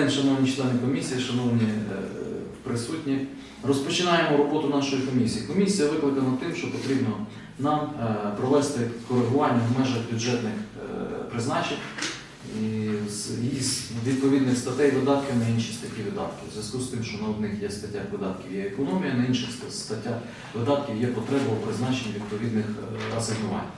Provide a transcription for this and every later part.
день, шановні члени комісії, шановні присутні. Розпочинаємо роботу нашої комісії. Комісія викликана тим, що потрібно нам провести коригування в межах бюджетних призначень із відповідних статей видатків на інші статті видатків. В зв'язку з тим, що на одних є статтях видатків є економія, на інших статтях видатків є потреба у призначенні відповідних асигнувань.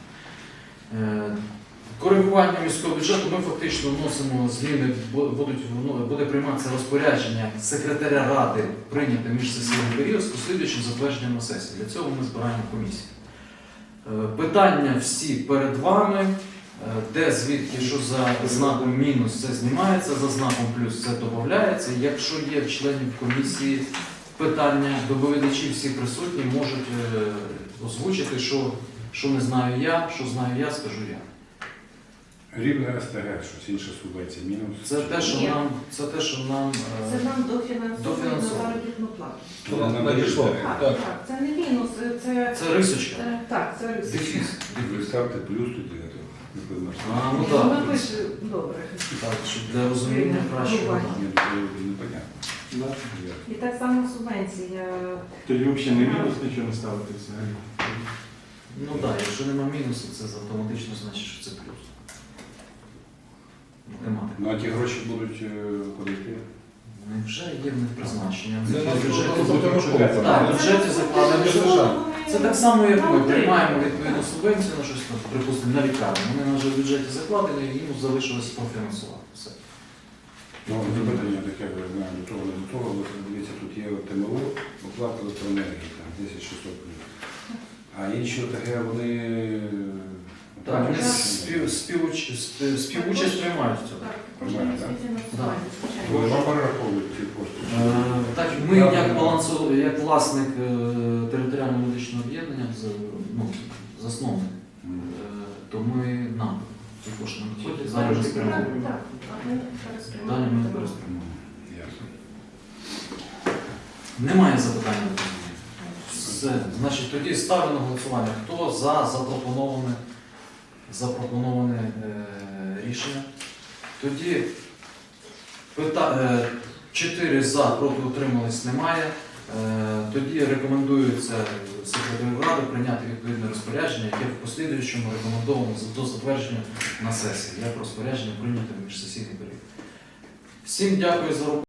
Коригування міського бюджету ми фактично вносимо зміни, буде прийматися розпорядження секретаря ради прийняти міжсесійний період з послідуючим затвердженням на сесії. Для цього ми збираємо комісію. Питання всі перед вами, де, звідки, що за знаком мінус це знімається, за знаком плюс це додається. Якщо є в членів комісії питання, доповідачі всі присутні можуть озвучити, що не знаю я, що знаю я, скажу я. Рівне СТГ, щось інше субвенція, мінус. Це те, що нам Це нам дофінансовують на заробітну плату. Так, це не мінус, це рисочка. Так, це рисочка. Дефіс. Ви ставте плюс туди, А, ну Вона так. пише добре. Так, щоб для розуміння кращого. непонятно. І так само субвенція. Тоді взагалі не мінус, нічого не ставити взагалі. Ну так, якщо нема мінусу, це автоматично значить, що це плюс. Математика. Ну а ті гроші будуть куди йти? Вони вже є в них призначення. Це В наш бюджеті будемо шукати. Так, в бюджеті закладено. Це так само, як ми Нам приймаємо відповідну субвенцію на щось, припустимо, на лікарню. Вони вже в бюджеті закладені, і їм залишилось профінансувати. Все. Ну, запитання таке, ви знаєте, до того, не до того, бо дивіться, тут є ТМО, оплата електроенергії, там 10600 плюс. А інші ОТГ, вони... Так, вони співучасть приймають в цьому. Так, кожен міське фінансування, звичайно. Вони вам перераховують ці кошти? Так, ми як власник територіального медичного об'єднання, засновник, то ми нам ці кошти надходять, зараз вже спрямовуємо. Так, а ми Далі ми переспрямуємо. переспрямовуємо. Ясно. Немає запитань до мене. Все. Значить, тоді ставлю на голосування. Хто за запропоноване рішення? Тоді 4 за, проти утримались немає. Тоді рекомендується секретарю ради прийняти відповідне розпорядження, яке в послідуючому рекомендовано до затвердження на сесії. Як розпорядження прийняти в міжсесійний період. Всім дякую за роботу.